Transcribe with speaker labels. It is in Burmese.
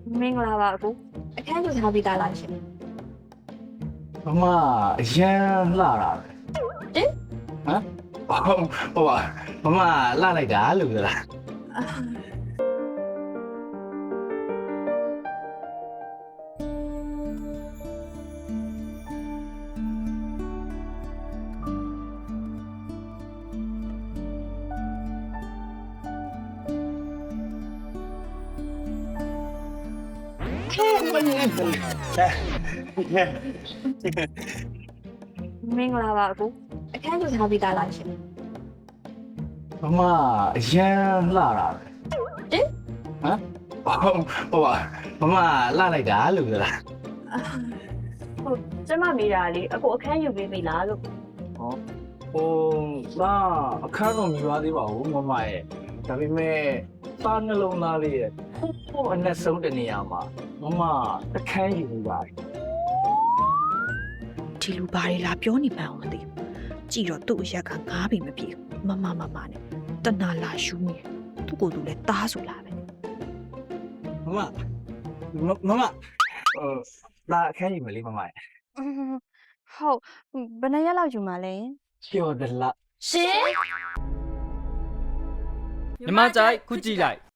Speaker 1: မင်္ဂလာပါအကိုအခန်းယူထားပြီးသားလားရှင်
Speaker 2: မမအရန်လှတာပဲ
Speaker 1: ဟင်
Speaker 2: ဟမ်ဟိုပါမမလှလိုက်တာလို့ပြောတာ
Speaker 1: မင်္ဂလာပါအကိုအခန်းယူထားပြီးသားလားရှင်
Speaker 2: မမအရန်လှတာပဲ
Speaker 1: ဟင်
Speaker 2: ဟမ်ဟိုပါမမလှလိုက်တာလို့ပြောတာ
Speaker 1: ဟုတ်ကျမမေးတာလေအကိုအခန်းယူပေးပြီလားလို့
Speaker 2: ဟိုလာအခန်းတော့မြည်သွားသေးပါဘူးမမရဲ့ဒါပေမဲ့သားနှလုံးသားလေးရဲ့ဟိုအနက်ဆုံးတနေရာမှာမမအခန်းယူနေပါတယ်
Speaker 3: ဒီလူဘာတွေလာပြောနေမှန်းအောင်မသိဘူးကြည်တော့သူ့အရက်ကငားပြီမပြေဘူးမနဲ့တနာလာရှူးနေသူ့ကိုယ်သူလည်းတားဆိုလာပဲ
Speaker 2: မမလာအခန်းယူမလေးမမရဲ့
Speaker 1: ဟုတ်ဘယ်နှစ်ရက်လောက်ယူမှာလဲ
Speaker 2: ကျော်တယ်လား
Speaker 1: ရှင်
Speaker 4: မြမကြိုက်ခုကြည့်လိုက်